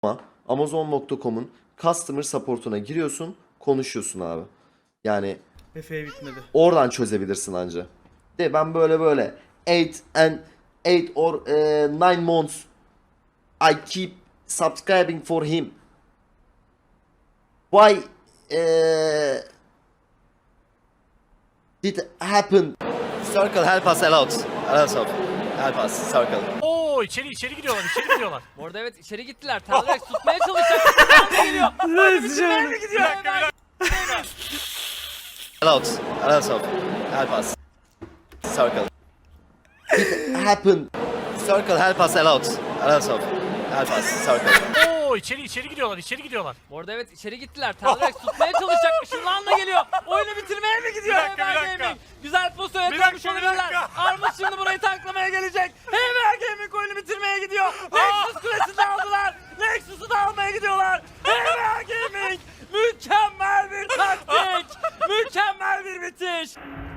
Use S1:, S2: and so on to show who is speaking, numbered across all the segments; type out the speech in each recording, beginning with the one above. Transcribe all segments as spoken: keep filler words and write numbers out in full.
S1: amazon nokta com'un customer support'una giriyorsun, konuşuyorsun abi. Yani
S2: Efe'ye bitmedi.
S1: oradan çözebilirsin anca. De ben böyle böyle eight and eight or eh, nine months I keep subscribing for him. Why eh, did it happen? Circle help us a lot. A lot of help us circle.
S3: Oo içeri içeri gidiyorlar içeri gidiyorlar.
S4: Bu arada evet içeri gittiler. Talrex tutmaya çalışacak. Ne geliyor? Böyle bitirmeye mi gidiyor?
S1: A lot. A lot of help us. Circle. It happened. Circle help us a lot. A lot of help us. Circle.
S3: Oo içeri içeri gidiyorlar içeri gidiyorlar.
S4: Bu arada evet içeri gittiler. Talrex tutmaya çalışacak. Işınlanla geliyor. Oyunu bitirmeye mi gidiyor?
S3: Bir dakika, bir
S4: Hemen
S3: dakika.
S4: Gaming. Güzel pozisyon
S3: Bir
S4: yakalamış
S3: dakika, bir
S4: olabilirler.
S3: dakika.
S4: Armut şimdi burayı taklamaya gelecek. Hemen Gaming oyunu bitirmeye gidiyor. Nexus kulesini de aldılar. Nexus'u da almaya gidiyorlar. Hemen Gaming. Mükemmel bir taktik. Mükemmel bir bitiş.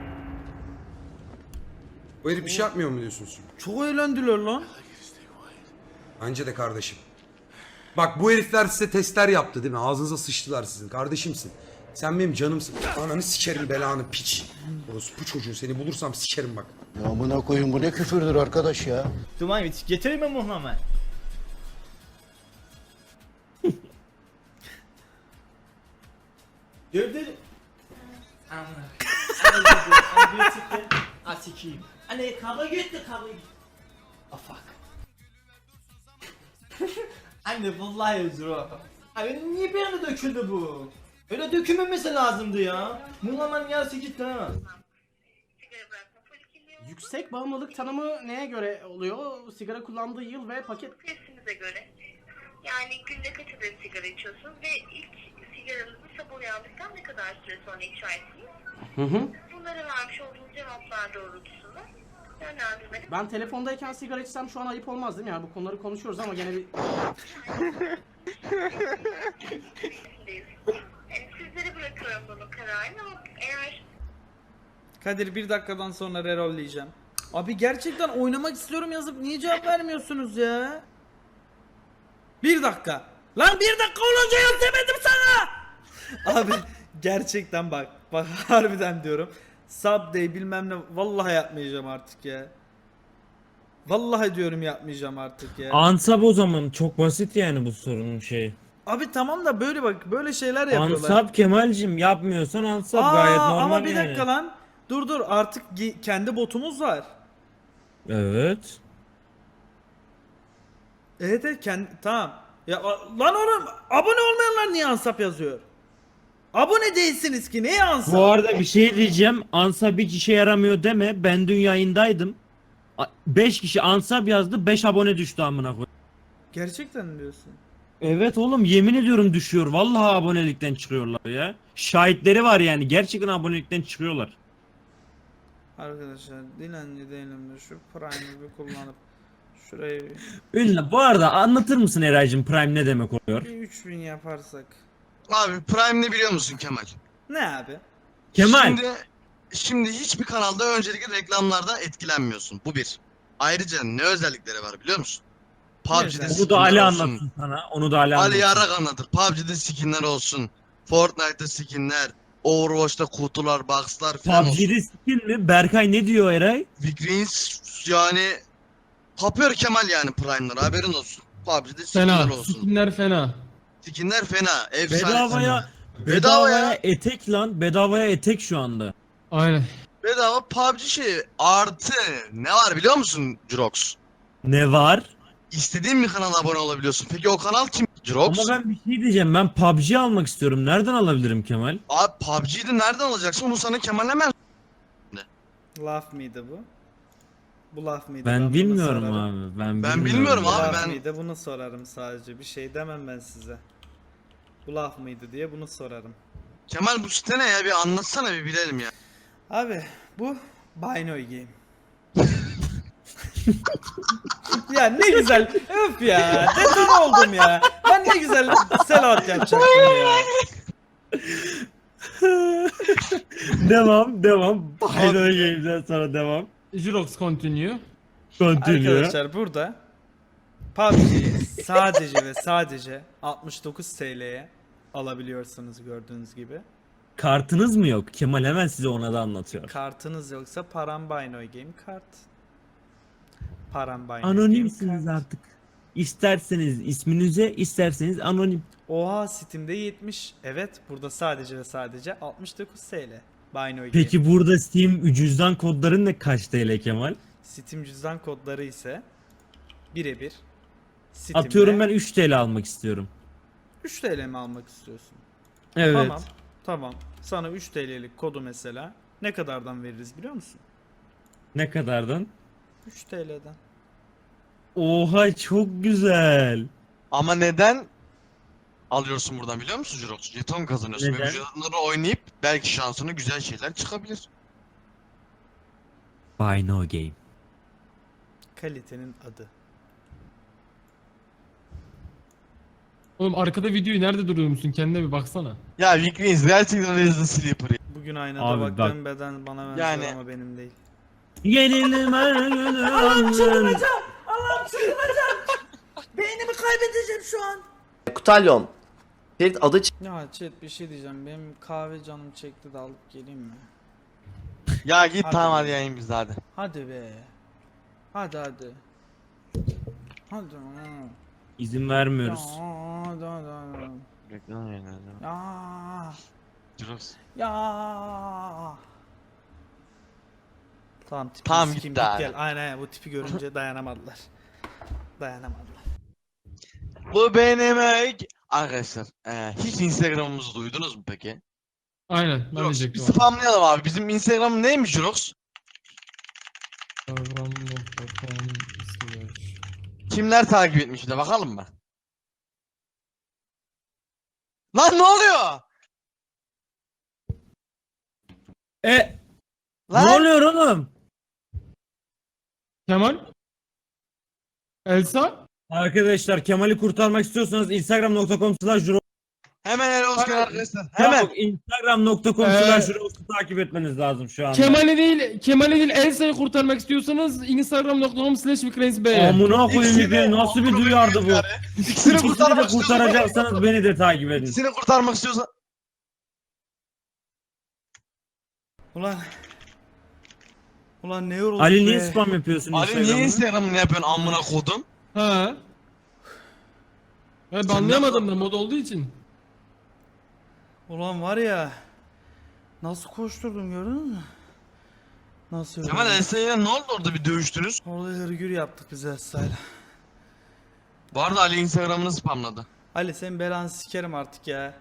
S5: Bu herif bir şey yapmıyor mu diyorsunuz?
S2: Çok eğlendiler lan.
S5: Bence de kardeşim. Bak bu herifler size testler yaptı değil mi? Ağzınıza sıçtılar sizin. Kardeşimsin. Sen benim canımsın. Ananı sikerim belanı piç. Bu çocuğu seni bulursam sikerim bak.
S6: Ya buna koyun bu ne küfürdür arkadaş ya.
S2: Duman bit. Getireyim mi Muhammed? Gövdeli. Amına. Amına çıktı. Asikiyim. Anne kavga gitti kavga gitti. Ah fuck. Anne vallahi özür o. Abi niye bir anda döküldü bu? Öyle dökülmemesi lazımdı ya. Muhammed yarısı gitti ha.
S7: Yüksek bağımlılık tanımı neye göre oluyor? Sigara kullandığı yıl ve paket...
S8: Testimize göre. Yani günde kaç adet sigara içiyorsunuz ve ilk sigaranızı sabah uyandıktan ne kadar süre sonra içersiniz?
S7: Hı hı.
S8: Bunlara vermiş olduğunuz cevaplar doğrultusunda yönlendirmeli.
S7: Ben telefondayken sigara içsem şu an ayıp olmaz değil mi? Yani bu konuları konuşuyoruz ama gene bir...
S8: Yani sizlere bırakıyorum bunun kararını ama eğer
S2: Kadir bir dakikadan sonra rerolleyeceğim. Abi gerçekten oynamak istiyorum yazıp niye cevap vermiyorsunuz ya? Bir dakika. Lan bir dakika olunca yaz demedim sana. Abi gerçekten bak. Bak harbiden diyorum. Subday bilmem ne vallahi yapmayacağım artık ya. Vallahi diyorum yapmayacağım artık ya.
S9: Ansab o zaman çok basit yani bu sorunun şeyi.
S2: Abi tamam da böyle bak böyle şeyler yapıyorlar.
S9: Ansab Kemal'cim yapmıyorsan ansab
S2: Aa,
S9: gayet normal
S2: ama bir
S9: yani.
S2: dakika lan. Dur dur artık gi- kendi botumuz var.
S9: Evet.
S2: Evet evet kendi tamam. Ya a- lan oğlum abone olmayanlar niye ansap yazıyor? Abone değilsiniz ki neye ansap?
S9: Bu arada bir şey diyeceğim. Ansab hiç işe yaramıyor deme. Ben dün yayındaydım. beş kişi ansab yazdı. beş abone düştü amına koy.
S2: Gerçekten mi diyorsun?
S9: Evet oğlum yemin ediyorum düşüyor. Vallahi abonelikten çıkıyorlar ya. Şahitleri var yani. Gerçekten abonelikten çıkıyorlar.
S2: Arkadaşlar dilenci değilim de şu Prime'ı bir kullanıp şurayı
S9: Ünlü bu arada anlatır mısın Eraycığım Prime ne demek oluyor?
S2: bir üç bin yaparsak.
S6: Abi Prime ne biliyor musun Kemal?
S2: Ne abi?
S9: Kemal.
S6: Şimdi, şimdi hiçbir kanalda öncelikle reklamlardan etkilenmiyorsun. Bu bir. Ayrıca ne özellikleri var biliyor musun? P U B G'de
S9: Onu da Ali
S6: skinler olsun.
S9: anlatsın sana. Onu da Ali anlatsın.
S6: Ali Yarak anlatır. P U B G'de skinler olsun. Fortnite'da skinler. Overwatch'ta kutular, box'lar falan olsun.
S9: P U B G'de skin mi? Berkay ne diyor Eray?
S6: Vigreens yani kapıyor Kemal yani Prime'ları haberin olsun. P U B G'de skinler olsun.
S10: Skinler fena.
S6: Skinler fena. Efsane.
S9: Bedavaya
S6: Bedava
S9: bedavaya
S6: ya.
S9: etek lan. Bedavaya etek şu anda.
S10: Aynen.
S6: Bedava P U B G şeyi artı ne var biliyor musun Jirox?
S9: Ne var?
S6: İstediğin bir kanala abone olabiliyorsun. Peki o kanal kim? Jirox?
S9: Ama ben bir şey diyeceğim. Ben P U B G almak istiyorum. Nereden alabilirim Kemal?
S6: Abi P U B G'yi de nereden alacaksın? Onu sana Kemal hemen
S2: Laf mıydı bu? Bu laf mıydı?
S9: Ben
S2: bunu
S9: bilmiyorum
S2: sorarım.
S9: abi. Ben,
S6: Ben
S9: bilmiyorum.
S6: bilmiyorum
S2: Bu
S6: abi,
S2: laf
S6: ben-
S2: mıydı? Bunu sorarım sadece. Bir şey demem ben size. Bu laf mıydı diye bunu sorarım.
S6: Kemal bu site ne ya? Bir anlatsana bir bilelim ya.
S2: Abi bu Binoy Game. Ya ne güzel. Öf ya. Deton oldum ya. Ben ne güzel sellout yapacaktım ya.
S9: Devam, devam. Hayır Games'den sonra devam.
S10: Jirox continue.
S9: Continue.
S2: Arkadaşlar burada P U B G'yi sadece ve sadece altmış dokuz T L'ye alabiliyorsunuz gördüğünüz gibi.
S9: Kartınız mı yok? Kemal hemen size ona da anlatıyor.
S2: Kartınız yoksa Parambaynoy Game kart. Parambaynoy
S9: Anonimsiniz
S2: Game kart.
S9: artık. İsterseniz isminize, isterseniz anonim.
S2: Oha Steam'de yetmiş. Evet burada sadece ve sadece altmış dokuz T L. Baynoy Game.
S9: Peki burada Steam cüzdan kodların ne kaç T L Kemal?
S2: Steam cüzdan kodları ise birebir. Steam'de
S9: Atıyorum ben üç T L almak istiyorum.
S2: üç T L mi almak istiyorsun?
S9: Evet.
S2: Tamam. Tamam. Sana üç T L'lik kodu mesela ne kadardan veririz biliyor musun?
S9: Ne kadardan?
S2: üç T L'den.
S9: Oha çok güzel.
S6: Ama neden alıyorsun buradan biliyor musun Jirox? Jeton kazanıyorsun
S9: Neden?
S6: ve bu jetonları oynayıp belki şansına güzel şeyler çıkabilir.
S9: Buy no game.
S2: Kalitenin adı.
S10: Oğlum arkada videoyu nerede duruyor musun? Kendine bir baksana.
S6: Ya Vikrins gerçekten Resident Sleeper'ı.
S2: Bugün aynada
S9: Abi
S2: baktığım beden bana benziyor
S6: Yani-
S2: ama benim değil.
S9: Yenildim her günü aldın.
S2: Allah'ım çıldıracağım. Beynimi kaybedeceğim şu an.
S1: Kutalyon. Ferit adı
S2: Ya chat bir şey diyeceğim. Benim kahve canım çekti de alıp geleyim mi?
S6: Ya git
S2: Hadi.
S6: tamam hadi yayın bizde hadi.
S2: Hadi be. Hadi hadi. Hadi.
S9: İzin
S2: Ya,
S9: vermiyoruz.
S2: hadi hadi hadi.
S6: Reklam yayınladı.
S2: Ya.
S6: Jirox.
S2: Ya. Tamam tipi
S6: Tamam,
S2: sikeyim,
S6: gitti
S2: git
S6: abi.
S2: gel. Aynen aynen bu tipi görünce dayanamadılar. Dayanamadılar.
S6: Bu benim ek- Arkadaşlar eee, hiç Instagram'ımızı duydunuz mu peki?
S10: Aynen ben
S6: Jirox bir
S10: diyecektim. abi.
S6: spamlayalım abi. Bizim Instagram neymiş Jirox?
S10: Instagram nokta com slash.
S6: Kimler takip etmiş bir de bakalım mı? Lan ne oluyor?
S9: E ne
S6: Lan
S9: oluyor oğlum?
S10: Kemal? Elsa?
S9: Arkadaşlar Kemal'i kurtarmak istiyorsanız instagram nokta com slash
S6: hemen el olsun arkadaşlar. Hemen.
S9: instagram nokta com
S10: Ee,
S9: slash takip etmeniz lazım şu anda.
S10: Kemal'i değil, Kemal'i değil Elsa'yı kurtarmak istiyorsanız instagram nokta com slash vikrensbey.
S9: Amına koyayım
S6: İkisini-
S9: bir nasıl bir duyardı bu?
S6: İkisini
S9: İkisini de
S6: kurtarmak istiyorsan.
S9: kurtaracaksanız beni de takip edin.
S6: İkisini kurtarmak istiyorsan.
S2: Ulan. Ulan ne yorulduk
S9: Ali niye
S2: be.
S9: spam yapıyorsun
S6: Ali niye
S9: Instagram'ı?
S6: Instagram'ını yapıyorsun amına kodum?
S10: Ha. Ben anlayamadım da mod olduğu için.
S2: Ulan var ya. Nasıl koşturdum gördün mü? Nasıl yoruldum?
S6: Kemal Elsa'yla ne oldu orada bir dövüştünüz?
S2: Orada hırgür yaptık biz Elsa'yla.
S6: Bu arada Ali Instagram'ını spamladı.
S2: Ali sen belanı sikerim artık ya.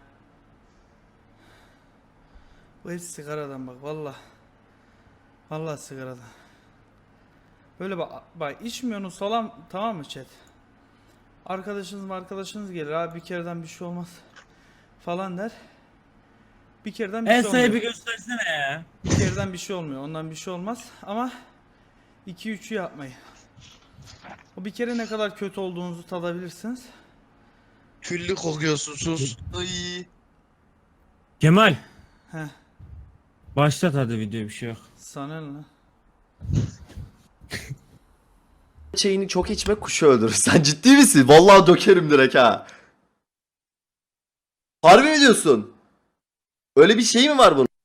S2: Bu hep sigaradan bak valla. Valla sigaradan. Böyle bak, bak içmiyorsunuz falan tamam mı chat? Arkadaşınız mı arkadaşınız gelir abi bir kereden bir şey olmaz falan der. Bir kereden bir şey olmuyor.
S9: Elsa'yı bir göstersene ya.
S2: Bir kereden bir şey olmuyor. Ondan bir şey olmaz ama iki üçü yapmayın. O bir kere ne kadar kötü olduğunuzu tadabilirsiniz.
S6: Küllü kokuyorsun sus. Iy.
S9: Kemal.
S2: Heh.
S9: Başlat hadi video bir şey yok.
S2: Sana ne lan?
S1: çayını çok içme kuşu öldürür. Sen ciddi misin? Vallahi dökerim direkt ha. Harbi mi diyorsun? Öyle bir şey mi var bunun?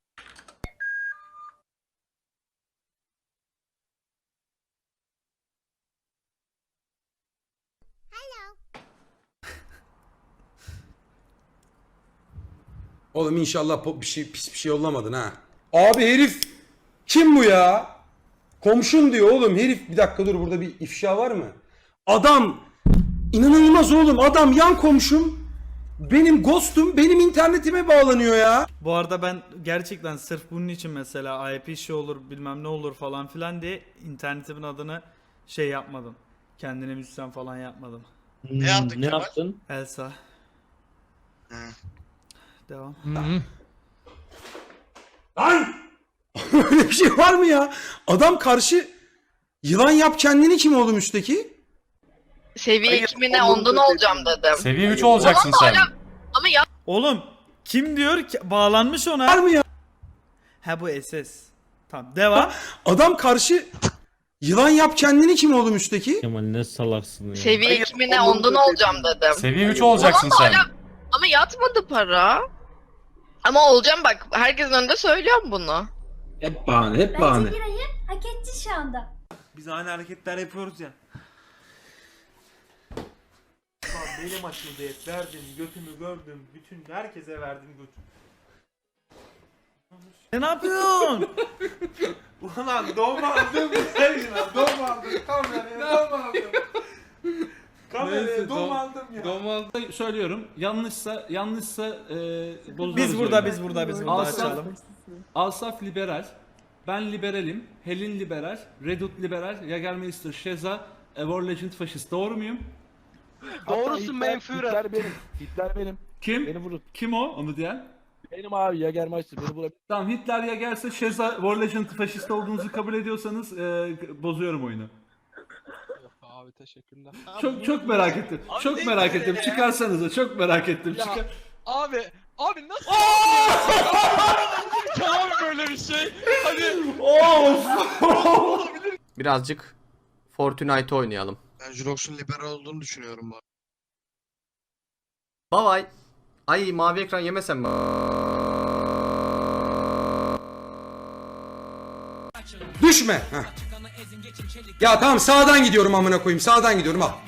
S5: Oğlum inşallah po- bir şey pis bir şey yollamadın ha. Abi herif kim bu ya? Komşum diyor oğlum herif. Bir dakika dur burada bir ifşa var mı? Adam inanılmaz oğlum adam yan komşum. Benim ghostum benim internetime bağlanıyor ya.
S2: Bu arada ben gerçekten sırf bunun için mesela I P şey olur bilmem ne olur falan filan diye internetimin adını şey yapmadım. Kendine müzisyen falan yapmadım.
S6: Ne yaptık
S9: Hmm, Ne
S6: Kemal?
S9: yaptın?
S2: Elsa.
S6: Hı.
S2: Devam.
S10: Hı hı.
S5: Lan! Öyle bir şey var mı ya? Adam karşı yılan yap kendini kim oğlum üstteki?
S8: Seviye
S1: Hayır,
S8: ikimine
S1: onun
S8: ondan
S1: da
S8: olacağım dedim.
S3: Seviye üç olacaksın sen.
S8: Ama ya
S2: Oğlum kim diyor ki bağlanmış ona?
S5: Var mı ya?
S2: Ha bu S S. Tamam devam.
S5: Adam karşı Yılan yap kendini kim oğlum üstteki?
S9: Kemal ne salaksın ya.
S11: Seviye iki mi ne ondan olacağım dedim.
S4: Seviye üç olacaksın
S11: Ama
S4: sen.
S11: hala- Ama yatmadı para. Ama olacağım bak, herkesin önünde söylüyorum bunu.
S5: Hep bahane, hep bahane.
S8: hak etti şu anda.
S4: Biz aynı hareketler yapıyoruz ya. Benim açıldı hep, verdim götümü gördüm, bütün herkese verdim götümü.
S2: E, ne yapıyorsun?
S4: Ulan dom aldım sevgili dom aldım kameraya dom aldım. Kameraya dom aldım ya.
S10: Normalde söylüyorum. Yanlışsa yanlışsa e, bozulur.
S2: Biz burada biz burada biz burada
S10: Asaf,
S2: açalım.
S10: Asaf liberal. Ben liberalim. Helin liberal. Redut liberal. Jagermeister Şeza. War Legend faşist. Doğru muyum?
S4: Doğrusun menfüre.
S12: Hitler benim. Hitler benim.
S10: Kim?
S12: Beni vurun.
S10: Kim o? Onu diyen?
S12: Benim abi Jagermeister. Beni vurabilir.
S10: Tamam, Hitler ya gelse Şeza War Legend faşist olduğunuzu kabul ediyorsanız e, bozuyorum oyunu.
S12: Abi teşekkürler.
S10: Çok çok merak ettim. Çok merak ettim. Çıkarsanıza. Çok merak ettim.
S12: Ya.
S10: Çıkar.
S12: Abi, abi nasıl? Abi böyle bir şey. Hadi.
S1: Birazcık Fortnite oynayalım.
S6: Ben Jurox'un liberal olduğunu düşünüyorum bak.
S1: Bye bye. Ay mavi ekran yemesem mi?
S5: Düşme. Heh. Ya tamam sağdan gidiyorum amına koyayım. Sağdan gidiyorum al.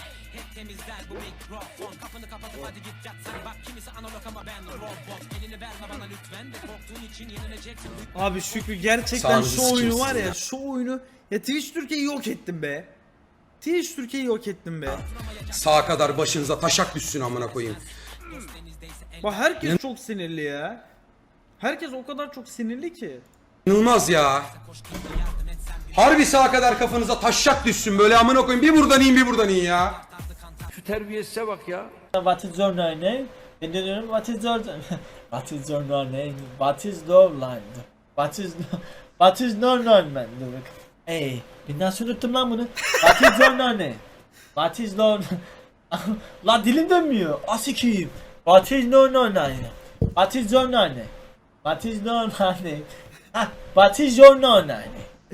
S2: Abi Şükrü gerçekten
S5: Sağınızı
S2: şu oyunu
S5: sikeyim
S2: var
S5: sizin
S2: ya,
S5: ya.
S2: şu oyunu ya Twitch Türkiye'yi yok ettim be. Twitch Türkiye'yi yok ettim be.
S5: Sağa kadar başınıza taşak düşsün amına koyayım.
S2: Bak herkes çok sinirli ya. Herkes o kadar çok sinirli ki.
S5: İnanılmaz ya. Harbi sağa kadar kafanıza taşak düşsün böyle amına koyayım. Bir buradan in bir buradan in ya.
S12: Şu terbiyesize bak ya.
S7: What is your name? Ben de diyorum what is your What is your name? What is your line? What is What is your name man? Ey, ben nasıl unuttum lan bunu? What is your name? What is your La dilim dönmüyor. Asikiyim. What is your name? What is your name? What is your name? Ha, what is your name?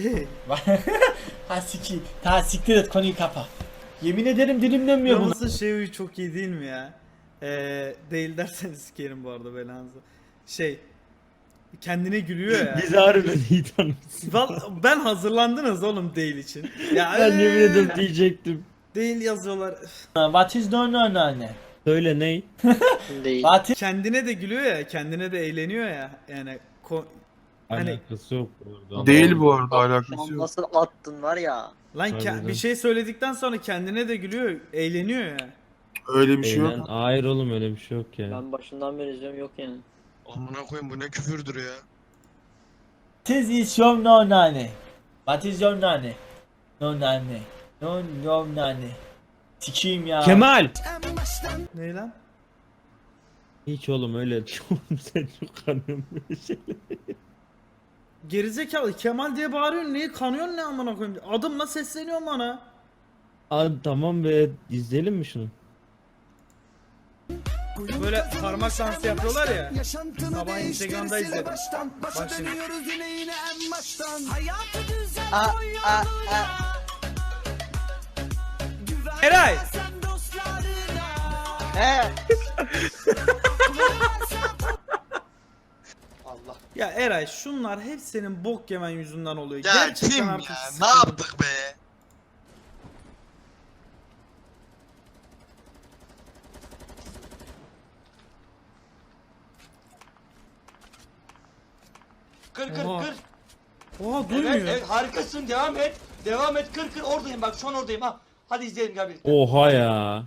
S7: Ha sikiyim. Ta siktir et, konuyu kapa. Yemin ederim dilim dönmüyor bunu.
S2: Yalnız şey çok iyi değil mi ya? Ee, değil derseniz sikerim bu arada belanızı. Şey kendine gülüyor ya.
S9: Biz harbiden iyi tanıyoruz.
S2: Val- ben hazırlandınız oğlum değil için. Ya
S9: Ben yemin
S2: ee,
S9: ederim diyecektim.
S2: Değil yazıyorlar.
S7: What is your name?
S9: Söyle ney?
S7: What is
S2: Kendine de gülüyor ya, kendine de eğleniyor ya. Yani ko- hani
S9: Alakası yok orada.
S12: Değil bu arada, alakası yok.
S1: Nasıl attın var ya.
S2: lan ke-
S9: Harbiden.
S2: bir şey söyledikten sonra kendine de gülüyor, eğleniyor ya.
S12: Öyle bir şey
S9: Eğlen...
S12: yok.
S9: Hayır oğlum öyle bir şey yok ya.
S1: Ben başından beri izliyorum yok yani.
S6: Amına koyayım bu ne küfürdür ya.
S7: What is your name? What is your name? No name. No no name. Sikiyim ya.
S9: Kemal!
S2: Ne lan?
S9: Hiç oğlum öyle oğlum sen çok kanıyorsun böyle şeyler.
S2: Gerizekalı Kemal diye bağırıyorsun, niye kanıyorsun, ne amına koyayım? Adımla sesleniyorsun bana.
S9: Abi tamam be, izleyelim mi şunu?
S2: Böyle parmak dansı yapıyorlar ya. Sabah Instagram'da izledim. Bak şimdi. Eray!
S1: Allah.
S2: Ya Eray, şunlar hep senin bok yemen yüzünden oluyor.
S6: Ya
S2: Gerçekten
S6: kim ya?
S2: artık
S6: Ne
S2: sıkıldım.
S6: yaptık be?
S4: Kır kır
S2: Oha.
S4: kır.
S2: Oha duymuyor.
S4: harikasın, devam et. Devam et, kır kır, oradayım bak, şu an oradayım ha. Hadi izleyelim gel birlikte.
S9: Oha ya.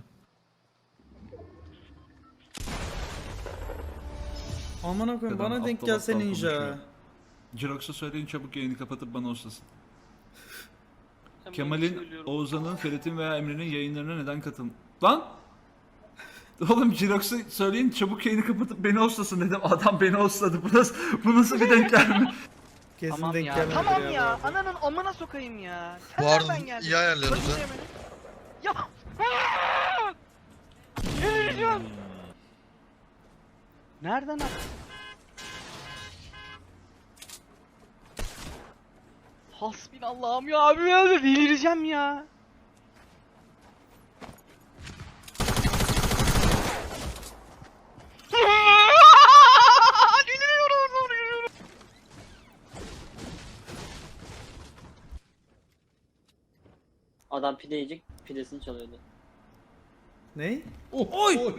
S2: Amına koyayım, bana denk
S10: aptal
S2: gelse
S10: aptal
S2: ninja.
S10: konuşuyor. Jirox'a söyleyin çabuk yayını kapatıp bana hostlasın. Kemal'in, Oğuzhan'ın, Ferit'in veya Emre'nin yayınlarına neden katılın? Lan! Oğlum Jirox'a söyleyin çabuk yayını kapatıp beni hostlasın dedim. Adam beni hostladı. Bu nasıl, bu nasıl bir denk gelme?
S2: Kesin
S4: Tamam
S2: denk
S4: ya,
S2: gelmedi
S4: tamam
S2: ya.
S4: ya.
S2: bu arada.
S4: Ananın amına sokayım ya.
S6: Bu arada iyi ayarlıyorsunuz ha.
S4: Ya. Televizyon. Nereden at? Hasbinallahım ya abi ya delireceğim ya.
S7: Adam pide yiyecek, pidesini çalıyordu.
S2: Ne? Oy!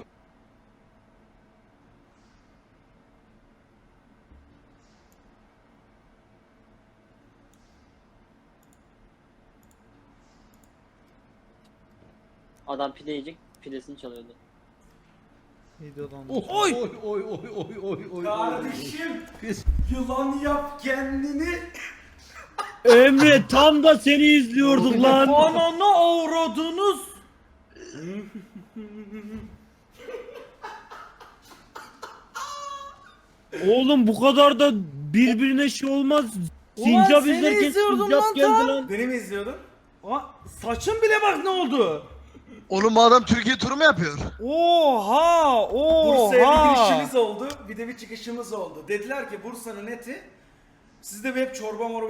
S7: Adam pide yiyecek, pidesini çalıyordu.
S2: Neydi adam?
S5: Oy oy oy oy oy oy oy.
S2: Kardeşim! Yılan yap kendini!
S9: Emre tam da seni izliyorduk lan.
S2: Ananı avradınız!
S9: Oğlum bu kadar da birbirine şey olmaz. Sincap
S2: Ulan seni
S9: izlerken
S2: izliyordum
S9: sincap
S2: lan
S9: geldi
S2: tam.
S9: lan.
S2: Beni mi izliyordun? Aa, saçın bile bak ne oldu?
S6: Oğlum bu adam Türkiye turu mu yapıyor?
S2: Oha! Oha!
S13: Bursa'ya bir girişimiz oldu, bir de bir çıkışımız oldu. Dediler ki Bursa'nın eti sizde bir hep çorba morba